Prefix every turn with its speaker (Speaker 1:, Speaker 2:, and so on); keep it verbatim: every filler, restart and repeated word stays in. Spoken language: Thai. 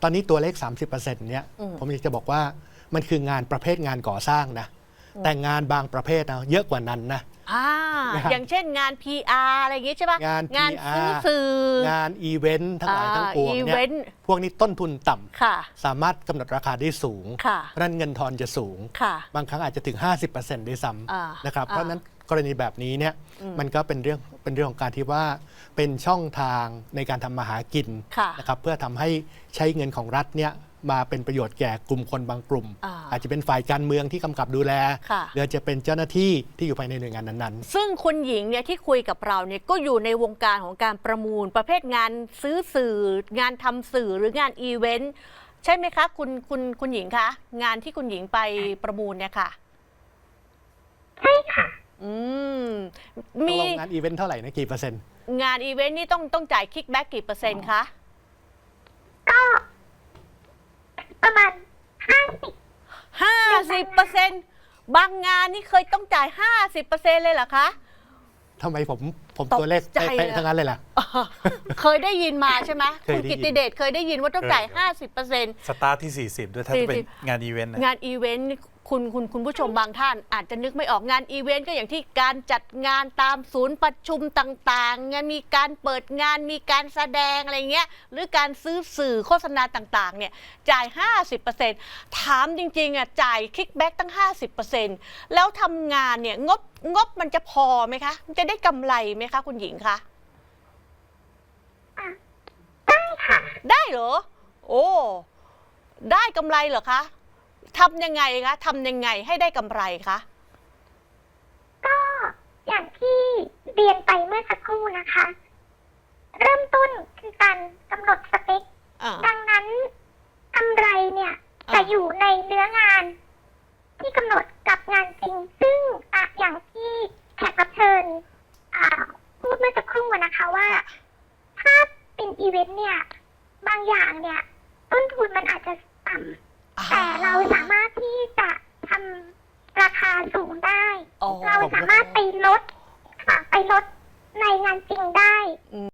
Speaker 1: อนนี้ตัวเลข สามสิบเปอร์เซ็นต์ เนี่ยผมอยากจะบอกว่ามันคืองานประเภทงานก่อสร้างนะแต่งานบางประเภทนะเยอะกว่านั้นนะ
Speaker 2: อ่าอย่างเช่นงาน พี อาร์ อะไรอย่างงี้ใช่ปะ
Speaker 1: งาน
Speaker 2: งาน
Speaker 1: พี อาร์
Speaker 2: ซื้อสื่อง
Speaker 1: านอีเวนต์ทั้งหลายทั้งปวงเนี่ยพวกนี้ต้นทุนต่ำสามารถกำหนดราคาได้สูงเพราะนั้นเงินทอนจะสูงบางครั้งอาจจะถึง ห้าสิบเปอร์เซ็นต์ ด้วยซ้ำนะครับเพราะนั้นกรณีแบบนี้เนี่ยมันก็เป็นเรื่องเป็นเรื่องของการที่ว่าเป็นช่องทางในการทำมาหากินนะครับเพื่อทำให้ใช้เงินของรัฐเนี่ยมาเป็นประโยชน์แก่กลุ่มคนบางกลุ่ม อา, อาจจะเป็นฝ่ายการเมืองที่กำกับดูแลหรือจะเป็นเจ้าหน้าที่ที่อยู่ภายในหน่วยงานนั้นๆ
Speaker 2: ซึ่งคุณหญิงเนี่ยที่คุยกับเราเนี่ยก็อยู่ในวงการของการประมูลประเภทงานซื้อสื่องานทำสื่อหรืองานอีเวนต์ใช่ไหมคะคุณคุณคุณหญิงคะงานที่คุณหญิงไปประมูลเนี่ยค่ะ
Speaker 3: ใช่ค่ะ
Speaker 2: อืม
Speaker 1: มีงานอีเวนต์เท่าไหร่นะกี่เปอร์เซ็นต์
Speaker 2: งานอีเวนต์นี่ต้องต้องจ่ายคิกแบ็กกี่เปอร์เซ็นต์คะ
Speaker 3: ก็ประมาณห้าสิบ
Speaker 2: ห้าสิบเปอร์เซ็นต์บางงานนี่เคยต้องจ่ายห้าสิบเปอร์เซ็นต์เลยเหรอคะ
Speaker 1: ทำไมผมผมตัวเลขเป๊ะๆทั้งนั้นเลยล่ะ
Speaker 2: เคยได้ยินมาใช่ไหมคุณกิตติเดชเคยได้ยินว่าต้องจ่ายห้าสิบเปอร์เซ็นต์
Speaker 4: สตาร์ทที่สี่สิบด้วยถ้าจะเป็นงานอีเวนต์
Speaker 2: งานอีเวนต์คุณคุณคุณผู้ชมบางท่านอาจจะนึกไม่ออกงานอีเวนต์ก็อย่างที่การจัดงานตามศูนย์ประชุมต่างๆงานมีการเปิดงานมีการแสดงอะไรเงี้ยหรือการซื้อสื่อโฆษณาต่างๆเนี่ยจ่าย ห้าสิบเปอร์เซ็นต์ ถามจริงๆอ่ะจ่ายคิกแบ็กตั้ง ห้าสิบเปอร์เซ็นต์ แล้วทำงานเนี่ยงบงบมันจะพอไหมคะมันจะได้กำไรไหมคะคุณหญิงคะ
Speaker 3: ได้ค่ะ
Speaker 2: ได้เหรอโอ้ได้กำไรเหรอคะทำยังไงคะทำยังไงให้ได้กำไรคะ
Speaker 3: ก็อย่างที่เรียนไปเมื่อสักครู่นะคะ เริ่มต้นคือการกำหนดสเปคดังนั้นกำไรเนี่ยจะอยู่ในเนื้องานที่กำหนดกับงานจริงซึ่งอะอย่างที่แขกรับเชิญพูดเมื่อสักครู่นะคะว่าถ้าเป็นอีเวนต์เนี่ยบางอย่างเนี่ยต้นทุนมันอาจจะต่ำแต่เราสามารถที่จะทำราคาสูงได้เราสามารถไปลดค่ะไปลดในงานจริงได้